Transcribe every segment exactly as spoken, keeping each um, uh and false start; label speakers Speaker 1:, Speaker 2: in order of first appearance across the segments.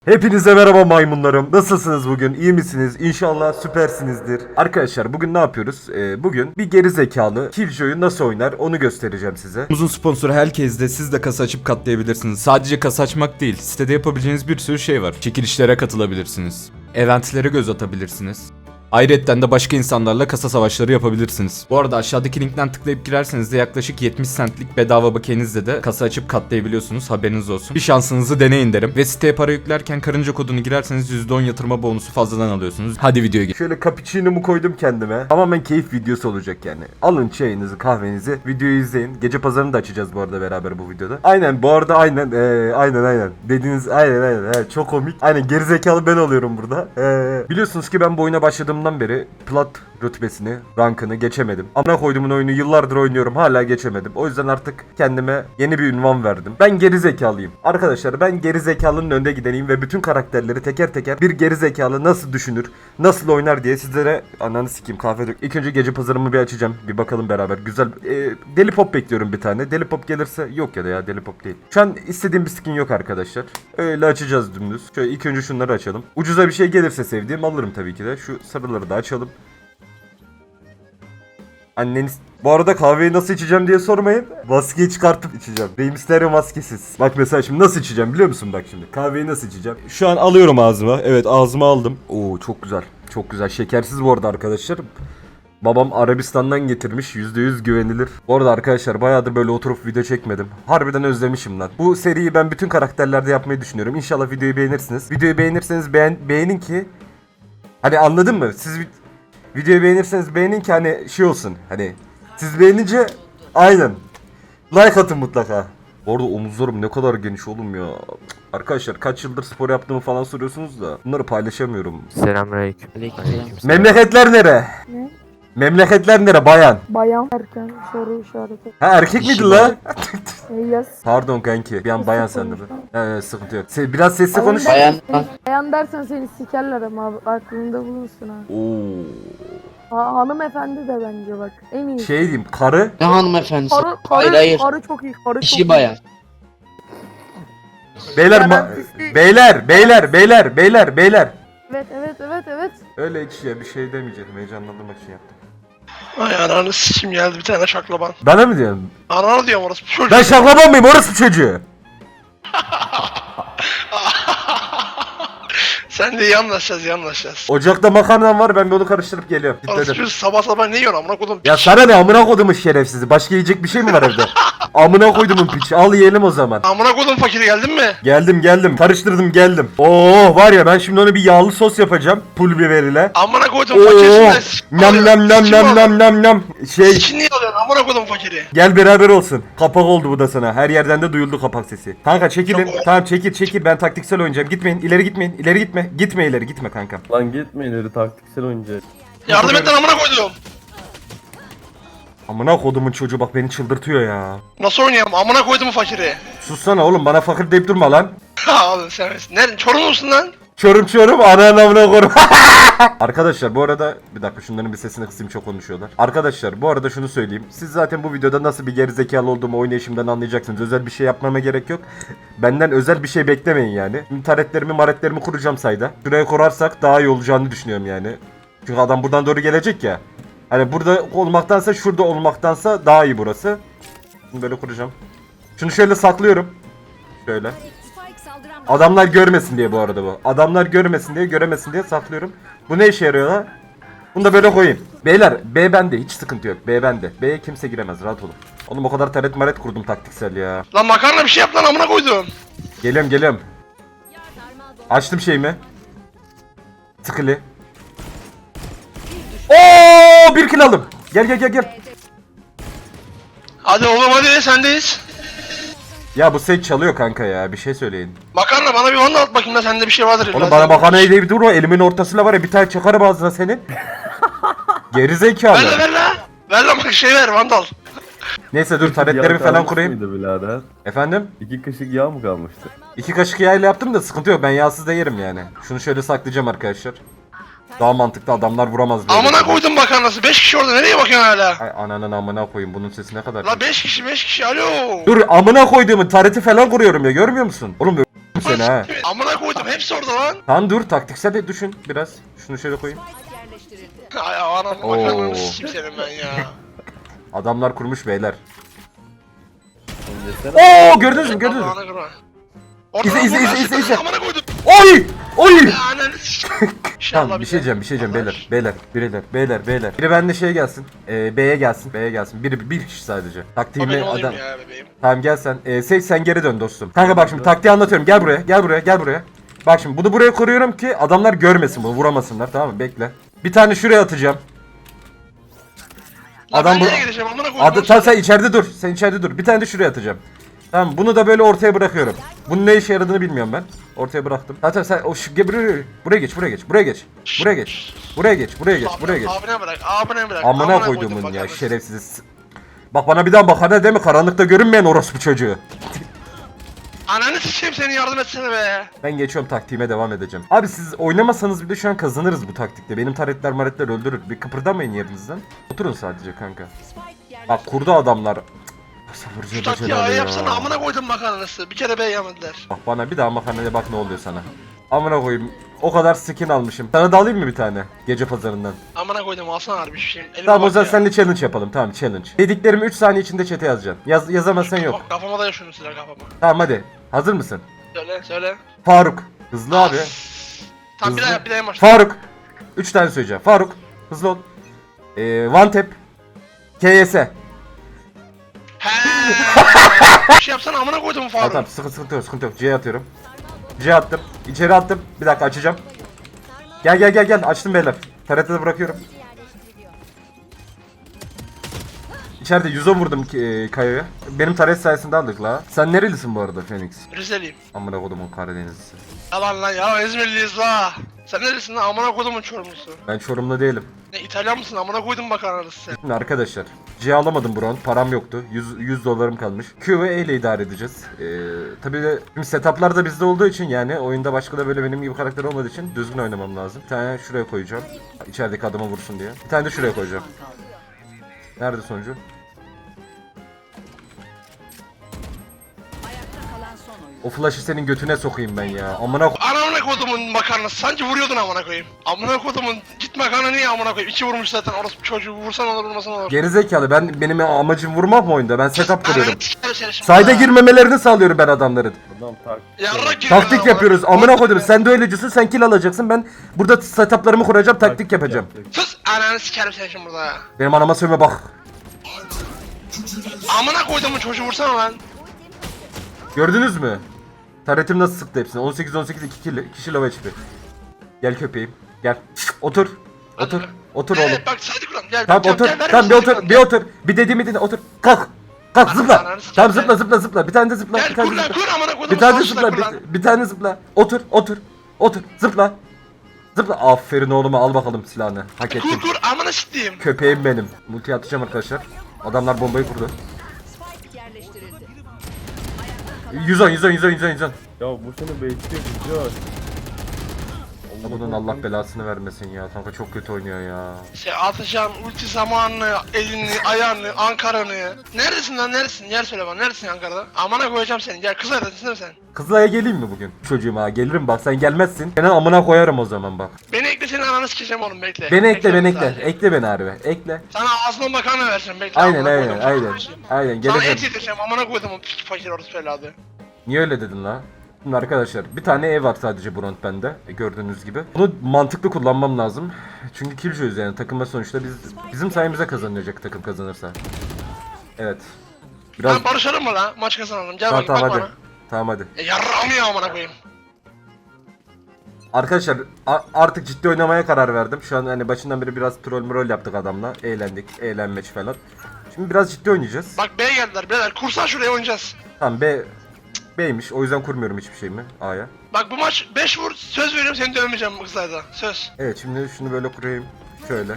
Speaker 1: Hepinize merhaba maymunlarım. Nasılsınız bugün? İyi misiniz? İnşallah süpersinizdir. Arkadaşlar bugün ne yapıyoruz? Ee, bugün bir geri zekalı Killjoy'u nasıl oynar onu göstereceğim size.
Speaker 2: Uzun sponsoru Hellcase'de siz de kasa açıp katlayabilirsiniz. Sadece kasa açmak değil, sitede yapabileceğiniz bir sürü şey var. Çekilişlere katılabilirsiniz. Eventlere göz atabilirsiniz. Ayrıca de başka insanlarla kasa savaşları yapabilirsiniz. Bu arada aşağıdaki linkten tıklayıp girerseniz de yaklaşık yetmiş centlik bedava bakiyenizle de kasa açıp katlayabiliyorsunuz, haberiniz olsun. Bir şansınızı deneyin derim. Ve siteye para yüklerken karınca kodunu girerseniz yüzde on yatırma bonusu fazladan alıyorsunuz. Hadi videoya geçelim.
Speaker 1: Şöyle cappuccino'mu koydum kendime. Tamamen keyif videosu olacak yani. Alın çayınızı, kahvenizi, videoyu izleyin. Gece pazarını da açacağız bu arada beraber bu videoda. Aynen bu arada aynen ee, aynen aynen. Dediğiniz aynen aynen. He, çok komik. Aynen gerizekalı ben oluyorum burada. Ee, biliyorsunuz ki ben bu oyuna başladığım beri plat rütbesini, rankını geçemedim. Amına koyduğumun oyunu yıllardır oynuyorum, hala geçemedim. O yüzden artık kendime yeni bir ünvan verdim. Ben gerizekalıyım. Arkadaşlar ben gerizekalının önde gideneyim ve bütün karakterleri teker teker bir gerizekalı nasıl düşünür, nasıl oynar diye sizlere ananı sikeyim kahve dök. İlk önce gece pazarımı bir açacağım. Bir bakalım beraber. Güzel. Ee, deli pop bekliyorum bir tane. Deli pop gelirse yok ya da ya deli pop değil. Şu an istediğim bir skin yok arkadaşlar. Öyle açacağız dümdüz. Şöyle ilk önce şunları açalım. Ucuza bir şey gelirse sevdiğim alırım tabii ki de. Şu sarıları da açalım. Anneniz... Bu arada kahveyi nasıl içeceğim diye sormayın. Maskeyi çıkartıp içeceğim. Rey Mysterio maskesiz. Bak mesela şimdi nasıl içeceğim biliyor musun bak şimdi. Kahveyi nasıl içeceğim? Şu an alıyorum ağzıma. Evet ağzıma aldım. Oo çok güzel. Çok güzel. Şekersiz bu arada arkadaşlar. Babam Arabistan'dan getirmiş. yüzde yüz güvenilir. Bu arada arkadaşlar bayağıdır böyle oturup video çekmedim. Harbiden özlemişim lan. Bu seriyi ben bütün karakterlerde yapmayı düşünüyorum. İnşallah videoyu beğenirsiniz. Videoyu beğenirseniz beğen beğenin ki... Hani anladın mı? Siz... Videoyu beğenirseniz beğenin ki hani şey olsun hani siz beğenince aynen like atın mutlaka. Bu arada omuzlarım ne kadar geniş oğlum ya. Arkadaşlar kaç yıldır spor yaptığımı falan soruyorsunuz da bunları paylaşamıyorum.
Speaker 3: Selamünaleyküm.
Speaker 1: Memleketler nere?
Speaker 4: Ne?
Speaker 1: Memleketler nere bayan?
Speaker 4: Bayan erken soru işareti.
Speaker 1: Ha erkek miydi la?
Speaker 4: E, yes.
Speaker 1: Pardon kanki bir an bayan sandım. Evet sıkıntı yok. Se- biraz sesli konuş.
Speaker 3: Bayan.
Speaker 4: Bayan dersen seni sikerler ama abi, aklında bulunsun ha.
Speaker 1: Oo.
Speaker 4: ha. Hanımefendi de bence bak. Eminim.
Speaker 1: Şey diyeyim karı.
Speaker 3: Ne hanımefendisi?
Speaker 4: Karı, karı,
Speaker 3: Hayır hayır.
Speaker 4: karı çok iyi. Karı çok
Speaker 3: İşi
Speaker 4: iyi.
Speaker 3: bayan.
Speaker 1: Beyler ma-
Speaker 4: Garantisi-
Speaker 1: beyler beyler beyler beyler beyler.
Speaker 4: Evet evet evet evet.
Speaker 1: Öyle hiç ya bir şey demeyecektim heyecanlandırmak için yaptım.
Speaker 5: Ay ananı sikim geldi bir tane şaklaban.
Speaker 1: Bana mı diyorsun?
Speaker 5: Ananı diyorum orası çocuk.
Speaker 1: Ben şaklaban mıyım orası çocuğu?
Speaker 5: Sen de iyi anlaşacağız iyi anlaşacağız.
Speaker 1: Ocakta makarnam var ben bir onu karıştırıp geliyorum.
Speaker 5: Orası
Speaker 1: Gitmedim.
Speaker 5: çocuk sabah sabah ne yiyorsun amına kodum?
Speaker 1: Ya sana ne amına kodumun şerefsizi. Başka yiyecek bir şey mi var evde? Amına koydumun piç. Al yiyelim o zaman.
Speaker 5: Amına kodum fakiri geldin mi?
Speaker 1: Geldim geldim. Karıştırdım geldim. Oo var ya ben şimdi ona bir yağlı sos yapacağım. Pul biberiyle.
Speaker 5: Amına kodum
Speaker 1: Oo.
Speaker 5: fakirisinde.
Speaker 1: Nam nam nam nam nam nam nam. Şey
Speaker 5: Sikin niye alıyorsun amına kodum fakiri?
Speaker 1: gel beraber olsun. Kapak oldu bu da sana. Her yerden de duyuldu kapak sesi. Kanka çekilin.
Speaker 5: Çok-
Speaker 1: Tamam çekil çekil ben taktiksel oynayacağım. Gitmeyin ileri gitmeyin. İleri gitme. Gitme ileri gitme kanka.
Speaker 6: Lan gitme ileri taktiksel oynayacağız.
Speaker 5: Yardım et lan amına koydum.
Speaker 1: Amına kodumun çocuğu bak beni çıldırtıyor ya.
Speaker 5: Nasıl oynayayım amına koydum fakiri?
Speaker 1: Sussana oğlum bana fakir deyip durma lan.
Speaker 5: Abi sen nerede? Çorum musun lan?
Speaker 1: Çorum çorum ananı amına korum. Arkadaşlar bu arada bir dakika şunların bir sesini kısayım çok konuşuyorlar. Arkadaşlar bu arada şunu söyleyeyim. Siz zaten bu videoda nasıl bir gerizekalı olduğumu oynayışımdan anlayacaksınız. Özel bir şey yapmama gerek yok. Benden özel bir şey beklemeyin yani. Şimdi taretlerimi maretlerimi kuracağım sayda. Şuraya kurarsak daha iyi olacağını düşünüyorum yani. Çünkü adam buradan doğru gelecek ya. Hani burada olmaktansa şurada olmaktansa daha iyi burası. Bunu böyle kuracağım. Şunu şöyle saklıyorum. Şöyle. Adamlar görmesin diye bu arada bu. Adamlar görmesin diye, göremesin diye saklıyorum. Bu ne işe yarıyor lan? Bunu da böyle koyayım. Beyler, B bende. Hiç sıkıntı yok. B bende. B'ye kimse giremez. Rahat olun. Oğlum o kadar taret maret kurdum taktiksel ya.
Speaker 5: Lan makarna bir şey yap lan amına koydum.
Speaker 1: Geliyorum, geliyorum. Açtım şeyimi. Tıkılı. Oo, bir kill aldım. Gel gel gel gel.
Speaker 5: Hadi oğlum hadi sendeyiz.
Speaker 1: Ya bu set çalıyor kanka ya. Bir şey söyleyin.
Speaker 5: Makarna bana bir vandal at bakayım da sende bir şey vardır. illa.
Speaker 1: Oğlum bana makarnayı deyip durma. Elimin ortasıyla var ya bir tane çakarım ağzına senin. Geri zekalı.
Speaker 5: Ver lan ver lan. Ver lan bak şey ver vandal.
Speaker 1: Neyse dur
Speaker 6: Yağ
Speaker 1: taretlerimi falan
Speaker 6: kalmış
Speaker 1: kurayım.
Speaker 6: mıydı birader?
Speaker 1: Efendim?
Speaker 6: İki kaşık yağ mı kalmıştı?
Speaker 1: İki kaşık yağıyla yaptım da sıkıntı yok ben yağsız da yerim yani. Şunu şöyle saklayacağım arkadaşlar. Daha mantıklı adamlar vuramaz böyle.
Speaker 5: Amına koydum makarnası. beş kişi orada nereye bakıyorsun hala?
Speaker 1: Ay ananın amına koyayım bunun sesi ne kadar.
Speaker 5: La beş kişi beş kişi alo.
Speaker 1: Dur amına koyduğumun tareti falan kuruyorum ya görmüyor musun? Oğlum seni ha.
Speaker 5: Amına koydum hepsi orada lan.
Speaker 1: Tamam dur, taktiksel de düşün biraz. Şunu şöyle koyayım.
Speaker 5: Ay anam
Speaker 1: Oo.
Speaker 5: makarnanı sikeyim senin ben ya.
Speaker 1: Adamlar kurmuş beyler.
Speaker 6: Oğlum yesene.
Speaker 1: Oo gördünüz mü gördünüz mü?
Speaker 5: Allah'ına kurban. Orada
Speaker 1: İzle, izle,
Speaker 5: buradan
Speaker 1: izle, izle, izle.
Speaker 5: Amına koydum.
Speaker 1: Oy! Oy!
Speaker 5: Ananı sikeyim. İnşallah
Speaker 1: Tamam bir şey
Speaker 5: de.
Speaker 1: diyeceğim bir şey diyeceğim
Speaker 5: Allah
Speaker 1: beyler beyler beyler beyler beyler. Biri bende şeye gelsin. Ee, B'ye gelsin. B'ye gelsin. Biri bir kişi sadece.
Speaker 5: O
Speaker 1: Taktiğimi
Speaker 5: benim olayım
Speaker 1: adam.
Speaker 5: ya bebeğim.
Speaker 1: Tamam gel sen. Ee, Seyit sen geri dön dostum. Kanka bak şimdi taktiği anlatıyorum. Gel buraya. Gel buraya. Gel buraya. Bak şimdi bunu buraya koruyorum ki adamlar görmesin bunu. Vuramasınlar tamam mı? Bekle. Bir tane şuraya atacağım.
Speaker 5: Lan
Speaker 1: Adam
Speaker 5: ben
Speaker 1: bu...
Speaker 5: nereye gideceğim amına koydum.
Speaker 1: Adı, tamam sen içeride dur. Sen içeride dur. Bir tane de şuraya atacağım. Tamam bunu da böyle ortaya bırakıyorum. Bunun ne işe yaradığını bilmiyorum ben. Ortaya bıraktım. Zaten sen o şu buraya, buraya geç, buraya geç, buraya geç. Buraya geç. Buraya geç, buraya geç, buraya geç.
Speaker 5: Abine bırak, abine bırak.
Speaker 1: Amına
Speaker 5: koydum
Speaker 1: koyduğumun ya
Speaker 5: makarnası.
Speaker 1: şerefsiz. Bak bana bir daha bakana değil mi? Karanlıkta görünmeyen orospu çocuğu.
Speaker 5: Ananı sikeyim seni yardım etsene be.
Speaker 1: Ben geçiyorum taktiğime devam edeceğim. Abi siz oynamasanız bile şu an kazanırız bu taktikte. Benim taretler maretler öldürür. Bir kıpırdamayın yerinizden. Oturun sadece kanka. Bak kurdu adamlar. Sabırcı
Speaker 5: Şu taktiği
Speaker 1: beceler
Speaker 5: A'ya
Speaker 1: ya.
Speaker 5: yapsana amına koydum makarnası. Bir kere B yemediler.
Speaker 1: Bak bana bir daha makarnaya bak ne oluyor sana. Amına koyayım. O kadar skin almışım. Sana da alayım mı bir tane? Gece pazarından.
Speaker 5: Amına koydum alsana harbi bir şeyim. Elime
Speaker 1: Tamam o
Speaker 5: bak
Speaker 1: zaman
Speaker 5: ya.
Speaker 1: seninle challenge yapalım. Tamam challenge. Dediklerimi üç saniye içinde chat'e yazacaksın. Yaz, yazamazsan yok.
Speaker 5: Bak, kafama da yaşıyorum silah kafama.
Speaker 1: Tamam hadi. Hazır mısın?
Speaker 5: Söyle söyle.
Speaker 1: Faruk. Hızlı abi.
Speaker 5: Tamam bir
Speaker 1: Hızlı.
Speaker 5: daha bir daha en başta.
Speaker 1: Faruk. Üç tane söyleyeceğim. Faruk. Hızlı ol. Ee, one tap. K S.
Speaker 5: Heee. Bir şey yapsana amına koydum
Speaker 1: Tamam
Speaker 5: Faruk.
Speaker 1: tamam sıkıntı, sıkıntı yok sıkıntı yok. C'ye atıyorum. C attım. İçeri attım. Bir dakika açacağım. Gel gel gel gel. Açtım beyler. T R T'de bırakıyorum. İçeride yüz on vurdum e, Kayo'ya. Benim taret sayesinde aldık la. Sen nerelisin bu arada Phoenix?
Speaker 5: Rizeliyim.
Speaker 1: Amına kodumun Karadenizlisi.
Speaker 5: Yalan lan ya İzmirliyiz la. Sen neresin lan amına koydumun Çorumlusu.
Speaker 1: Ben Çorumlu değilim.
Speaker 5: Ne İtalyan mısın amına koydum makarnası sen.
Speaker 1: Şimdi arkadaşlar C alamadım bu round. Param yoktu. yüz, yüz dolarım kalmış. Q ve E ile idare edeceğiz. Ee, tabii de şimdi setuplar da bizde olduğu için yani oyunda başka da böyle benim gibi karakter olmadığı için düzgün oynamam lazım. Bir tane şuraya koyacağım. İçerideki adama vursun diye. Bir tane de şuraya koyacağım. Nerede sonucu? O flash'ı senin götüne sokayım ben ya. Amına ko-
Speaker 5: Anamına kodumun makarnası sanki vuruyordun amına koyayım. Amına kodumun git makarna niye amına koyayım? İki vurmuş zaten orası çocuğu vursan olur vurmasan olur.
Speaker 1: Gerizekalı ben benim amacım vurmak mı oyunda? Ben setup kuruyorum.
Speaker 5: Ananı sikerim seni şimdi.
Speaker 1: Sayda girmemelerini sağlıyorum ben adamların.
Speaker 6: Adam tak.
Speaker 5: Yarrak gibi
Speaker 1: Taktik
Speaker 5: amına
Speaker 1: yapıyoruz.
Speaker 5: koyayım.
Speaker 1: Amına koydum. Sen de öylecisin. Sen kill alacaksın. Ben burada setuplarımı kuracağım. Taktik yapacağım.
Speaker 6: yapacak.
Speaker 5: Sus ananı sikerim seni şimdi burada.
Speaker 1: Benim anama sövme bak.
Speaker 5: Amına koydumun çocuğu vursana lan.
Speaker 1: Gördünüz mü? Taretim nasıl sıktı hepsini? on sekiz on sekiz iki kill. Kişi low H P. Gel köpeğim. Gel. Otur. Otur.
Speaker 5: Hadi.
Speaker 1: Otur
Speaker 5: Evet,
Speaker 1: oğlum.
Speaker 5: Bak saydı kuram gel.
Speaker 1: Tamam
Speaker 5: gel,
Speaker 1: otur.
Speaker 5: gel, ver
Speaker 1: Tamam bir
Speaker 5: misin
Speaker 1: otur.
Speaker 5: saydı
Speaker 1: Bir
Speaker 5: kuram,
Speaker 1: otur. Bir dediğimi dinle. Otur. Kalk. Kalk
Speaker 5: Ananı
Speaker 1: zıpla.
Speaker 5: sikeyim,
Speaker 1: Tamam
Speaker 5: gel.
Speaker 1: zıpla zıpla zıpla. Bir tane de zıpla.
Speaker 5: Gel
Speaker 1: Bir tane de
Speaker 5: kur lan
Speaker 1: zıpla.
Speaker 5: kur amına koydumun
Speaker 1: Bir tane de
Speaker 5: savaşçıda
Speaker 1: zıpla.
Speaker 5: kur lan.
Speaker 1: Bir, bir tane zıpla. Otur. Otur. Otur. Zıpla. Zıpla. Aferin oğluma al bakalım silahını. Hak ettin.
Speaker 5: Kur kur amına sikeyim.
Speaker 1: Köpeğim benim. Multi atacağım arkadaşlar. Adamlar bombayı kurdu. yüz on yüz on yüz on yüz on yüz on.
Speaker 6: Ya bu seni bekliyor güzel.
Speaker 1: Bunun Allah belasını vermesin ya. Kanka çok kötü oynuyor ya.
Speaker 5: Şey atacağım ulti zamanını, elini, ayağını, Ankara'nı. Neredesin lan neredesin? Yer söyle bana neredesin Ankara'da? Amına koyacağım seni. Gel kız neredesin değil mi sen?
Speaker 1: Kızılay'a geleyim mi bugün? Çocuğuma gelirim bak sen gelmezsin. Seni amına koyarım o zaman bak.
Speaker 5: Beni ekle senin ananı sikeceğim oğlum bekle.
Speaker 1: Beni ekle beni ekle.
Speaker 5: sadece.
Speaker 1: Ekle beni harbi. Ekle.
Speaker 5: Sana ağzına makarna vereceğim bekle.
Speaker 1: Aynen
Speaker 5: amına
Speaker 1: aynen
Speaker 5: koydum,
Speaker 1: aynen.
Speaker 5: çok
Speaker 1: Aynen
Speaker 5: Sana et
Speaker 1: geleceğim.
Speaker 5: yedireceğim amına koydum o piç fakir orası evladı.
Speaker 1: Niye öyle dedin la? Şimdi arkadaşlar bir tane ev var sadece bu round bende e, gördüğünüz gibi. Bunu mantıklı kullanmam lazım. Çünkü killjoy'uz yani takımda sonuçta biz bizim sayemizde kazanacak takım kazanırsa. Evet. Biraz
Speaker 5: Ben barışalım mı lan? Maç kazanalım. Gel
Speaker 1: tamam,
Speaker 5: bak
Speaker 1: tamam
Speaker 5: bak
Speaker 1: hadi.
Speaker 5: bana.
Speaker 1: Tamam hadi.
Speaker 5: E yarrağım ya amına koyayım.
Speaker 1: Arkadaşlar a- artık ciddi oynamaya karar verdim. Şu an hani başından beri biraz troll mrol yaptık adamla. Eğlendik, eğlenmeç falan. Şimdi biraz ciddi oynayacağız.
Speaker 5: Bak B'ye geldiler beyler. Kursan şuraya oynayacağız.
Speaker 1: Tamam B B'ymiş. O yüzden kurmuyorum hiçbir şeyimi A'ya.
Speaker 5: Bak bu maç beş vur söz veriyorum seni dövmeyeceğim bu kızlarda. Söz.
Speaker 1: Evet şimdi şunu böyle kurayım. Şöyle.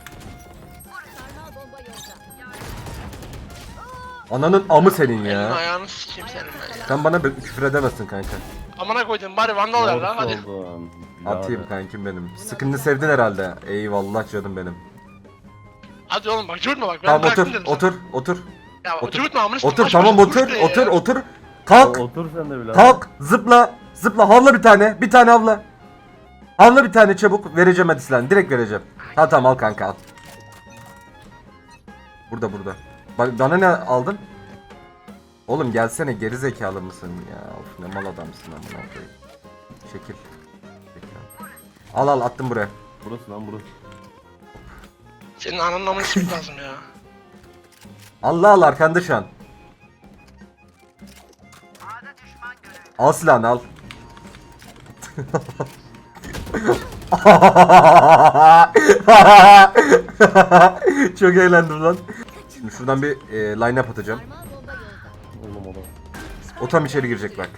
Speaker 1: Ananın amı senin
Speaker 5: Elini
Speaker 1: ya.
Speaker 5: ayağını sikeyim senin ben ya.
Speaker 1: Sen bana bir küfür edemezsin kanka.
Speaker 5: Amına koydum bari vandal ver lan hadi.
Speaker 6: oldun.
Speaker 1: Atayım kankim benim. Sıkıntını sevdin herhalde. Eyvallah canım benim.
Speaker 5: Hadi oğlum bak cıvıtma bak. Ben
Speaker 1: Tamam
Speaker 5: bıraktım
Speaker 1: otur,
Speaker 5: dedim sana.
Speaker 1: otur, otur.
Speaker 5: Ya
Speaker 1: otur.
Speaker 5: cıvıtma amına sikeyim.
Speaker 1: Otur
Speaker 5: Maç
Speaker 1: tamam
Speaker 5: başı
Speaker 1: otur,
Speaker 5: kuş be ya.
Speaker 1: otur, otur. Kalk,
Speaker 6: Otur sen de birader.
Speaker 1: kalk, zıpla, Zıpla havla bir tane. Bir tane havla. Havla bir tane çabuk. Vereceğim hadi silahını. Direkt vereceğim. Tamam tamam al kanka al. Burada burada. Ba- Bana ne aldın? Oğlum gelsene, geri zekalı mısın ya? Of ne mal adamsın amına koyayım. Çekil. Çekil. Al al attım buraya.
Speaker 6: Burası lan burası.
Speaker 5: Senin ananın amını sikmek lazım ya.
Speaker 1: Allah al arkanda şu an. Al silahını al. Çok eğlendim lan. Şimdi şuradan bir e, line up atacağım.
Speaker 6: Oğlum oğlum.
Speaker 1: O tam içeri girecek bak.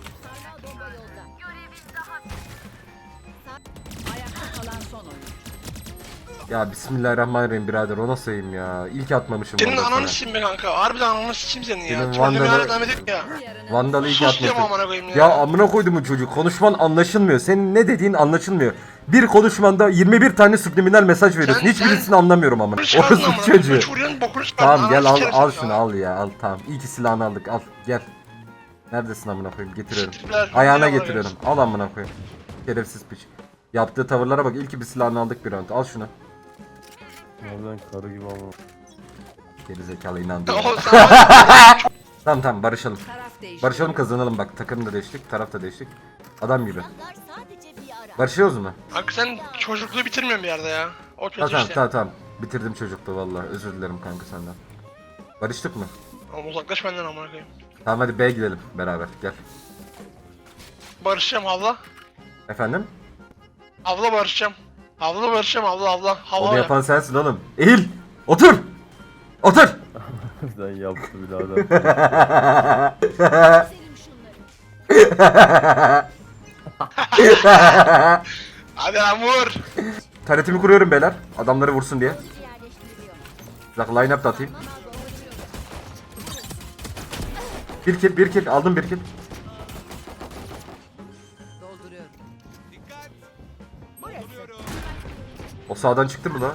Speaker 3: Ayakta kalan son oyun.
Speaker 1: Ya bismillahirrahmanirrahim birader, o nasıl yiyeyim ya? İlk atmamışım
Speaker 5: Senin
Speaker 1: orada
Speaker 5: ananı
Speaker 1: sana.
Speaker 5: sikeyim be kanka. Harbiden ananı sikeyim senin ya.
Speaker 1: Senin
Speaker 5: Trollümeye
Speaker 1: Vandal'ı-
Speaker 5: hala devam edip ya.
Speaker 1: Vandal'ı ilk
Speaker 5: Sus diyorum
Speaker 1: atmışım.
Speaker 5: amına koyayım ya.
Speaker 1: Ya amına koydum bu çocuk. Konuşman anlaşılmıyor. Senin ne dediğin anlaşılmıyor. Bir konuşmanda yirmi bir tane subliminal mesaj veriyorsun.
Speaker 5: Sen-
Speaker 1: Hiçbirisini
Speaker 5: sen-
Speaker 1: anlamıyorum amına.
Speaker 5: Bokunu çıkardın
Speaker 1: Orası
Speaker 5: amına koyayım.
Speaker 1: çocuğu.
Speaker 5: Çocuğun bokunu çıkardın.
Speaker 1: Tamam gel
Speaker 5: Ananı
Speaker 1: al
Speaker 5: sikerim
Speaker 1: al
Speaker 5: seni
Speaker 1: şunu
Speaker 5: ya.
Speaker 1: al ya al tamam. İyi ki silahını aldık al gel. Neredesin amına koyayım, getiriyorum.
Speaker 5: Siktirler,
Speaker 1: Ayağına
Speaker 5: amına
Speaker 1: getiriyorum. Al amına koyayım. Şerefsiz piç. Yaptığı tavırlara bak. İyi ki bir silahını aldık bir round. Al şunu.
Speaker 6: Harbiden karı gibi ama.
Speaker 1: Geri zekalı inandı.
Speaker 5: Oğlum sen
Speaker 1: Tamam tamam barışalım.
Speaker 3: Taraf değişti.
Speaker 1: Barışalım kazanalım bak. Takım da değiştik, taraf da değiştik. Adam gibi.
Speaker 7: Sadece bir ara.
Speaker 1: Barışıyoruz mu?
Speaker 5: Kanka sen çocukluğu bitirmiyorsun bir yerde ya. O kötü
Speaker 1: Tamam tamam
Speaker 5: işte.
Speaker 1: tamam tamam. Bitirdim çocukluğu vallahi. Özür dilerim kanka senden. Barıştık mı?
Speaker 5: Oğlum uzaklaş benden amına koyayım.
Speaker 1: Tamam hadi B'ye gidelim beraber. Gel.
Speaker 5: Barışacağım abla.
Speaker 1: Efendim?
Speaker 5: Abla barışacağım. Abla barışacağım abla abla. Hava
Speaker 1: Onu
Speaker 5: yap.
Speaker 1: yapan sensin oğlum. Eğil. Otur. Otur.
Speaker 6: Harbiden yaptı birader.
Speaker 7: Selim şunları.
Speaker 5: Hadi lan vur.
Speaker 1: Taretimi kuruyorum beyler. Adamları vursun diye.
Speaker 7: Yerleştiriliyor.
Speaker 1: Bak line up da atayım. Bir kill, bir kill. Aldım bir kill.
Speaker 3: Dolduruyorum.
Speaker 1: O sağdan çıktı mı la?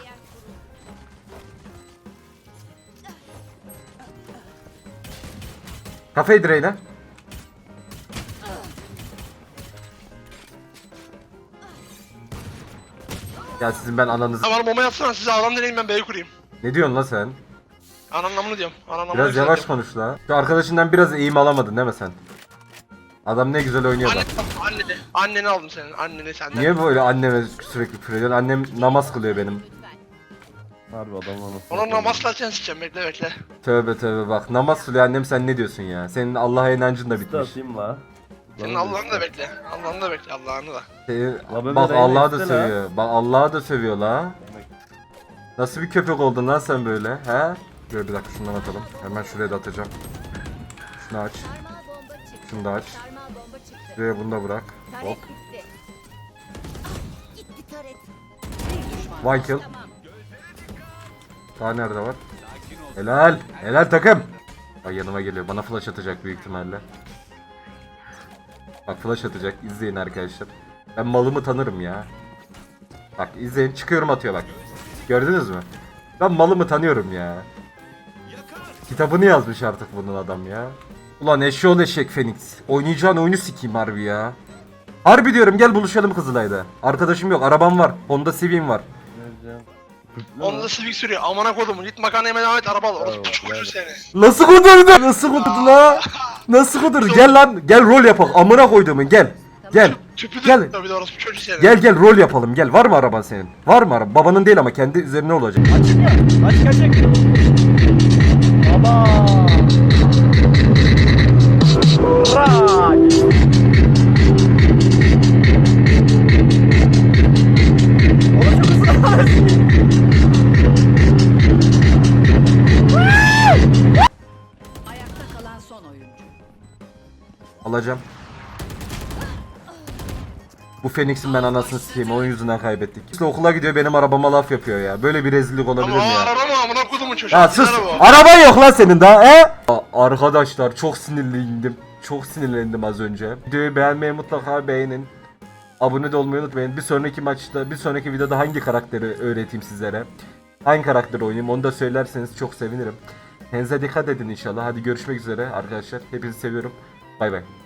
Speaker 1: Kafayı direğine. Ya sizin ben ananızı...
Speaker 5: Ha bana bomba yatsana size adam deneyim ben B'yi kurayım.
Speaker 1: Ne diyorsun lan sen?
Speaker 5: Ananın amını diyorum. Ananın amını
Speaker 1: Biraz yavaş
Speaker 5: yükseltiyorum.
Speaker 1: konuş la. Şu arkadaşından biraz eğim alamadın değil mi sen? Adam ne güzel oynuyor
Speaker 5: Anne,
Speaker 1: bak.
Speaker 5: anneni, anneni aldım senin, anneni senden.
Speaker 1: Niye böyle anneme sürekli küfür ediyorsun? Annem namaz kılıyor benim.
Speaker 6: Harbi adam anasını.
Speaker 5: Ona namaz kılacağını sikeceğim, bekle bekle.
Speaker 1: Tövbe tövbe bak. Namaz kılıyor annem, sen ne diyorsun ya? Senin Allah'a inancın da bitmiş.
Speaker 6: Atayım la.
Speaker 5: Senin Allah'ını da bekle, Allah'ını da bekle, Allah'ını da.
Speaker 1: Senin,
Speaker 6: La be
Speaker 1: bak
Speaker 6: Reyna
Speaker 1: Allah'ı da
Speaker 6: istene ha.
Speaker 1: sövüyor. Bak Allah'ı da sövüyor la. Nasıl bir köpek oldun lan sen böyle? He? Dur bir dakika şundan atalım. Hemen şuraya da atacağım. Şunu aç.
Speaker 7: Sarmal bomba çıktı.
Speaker 1: Şunu da aç.
Speaker 7: Sarmal bomba çıktı.
Speaker 1: Şuraya bunu da bırak.
Speaker 7: Taret
Speaker 1: Hop.
Speaker 7: gitti. Gitti taret.
Speaker 3: Bir düşman.
Speaker 1: One kill. Daha nerede var? Helal. Helal takım. Bak yanıma geliyor. Bana flash atacak büyük ihtimalle. Bak flash atacak. İzleyin arkadaşlar. Ben malımı tanırım ya. Bak izleyin. Çıkıyorum atıyor bak. Gördünüz mü? Ben malımı tanıyorum ya. Kitabını yazmış artık bunun adam ya. Ulan eşeğol eşek Phoenix. Oynayacağın oyunu sikeyim harbi ya. Harbi diyorum, gel buluşalım Kızılay'da. Arkadaşım yok, arabam var. Honda Civic'im var.
Speaker 6: Vereceğim.
Speaker 5: Onda da Civic sürüyor, amına kodumu, git makarnaya devam et, araba al, orası
Speaker 6: Bravo,
Speaker 5: çok
Speaker 6: bravo.
Speaker 5: ucuz seni.
Speaker 1: Nasıl kudurdu? Nasıl kudurdu la? Nasıl kudurdu? Gel lan, gel rol yapalım. Amına koyduğumun gel. Gel.
Speaker 5: Tüpü de
Speaker 1: Gel.
Speaker 5: tabii de orası çocuğu seni.
Speaker 1: Gel gel rol yapalım gel. Var mı araban senin? Var mı araba? Babanın değil ama kendi üzerine olacak.
Speaker 3: Ayakta kalan son oyuncu.
Speaker 1: Alacağım. Bu Phoenix'in ben anasını sikeyim. Onun yüzünden kaybettik. İşte okula gidiyor benim arabama laf yapıyor ya. Böyle bir rezillik olabilir
Speaker 5: Ama
Speaker 1: mi
Speaker 5: o
Speaker 1: ya?
Speaker 5: araba mı amına kodumu çocuğu?
Speaker 1: Ya sus.
Speaker 5: Araba o.
Speaker 1: Araban yok lan senin daha he? A- Arkadaşlar çok sinirlendim. Çok sinirlendim az önce. Videoyu beğenmeyi mutlaka beğenin. Abone de olmayı unutmayın. Bir sonraki maçta, bir sonraki videoda hangi karakteri öğreteyim sizlere? Hangi karakteri oynayayım onu da söylerseniz çok sevinirim. Kendinize dikkat edin inşallah. Hadi görüşmek üzere arkadaşlar. Hepinizi seviyorum. Bay bay.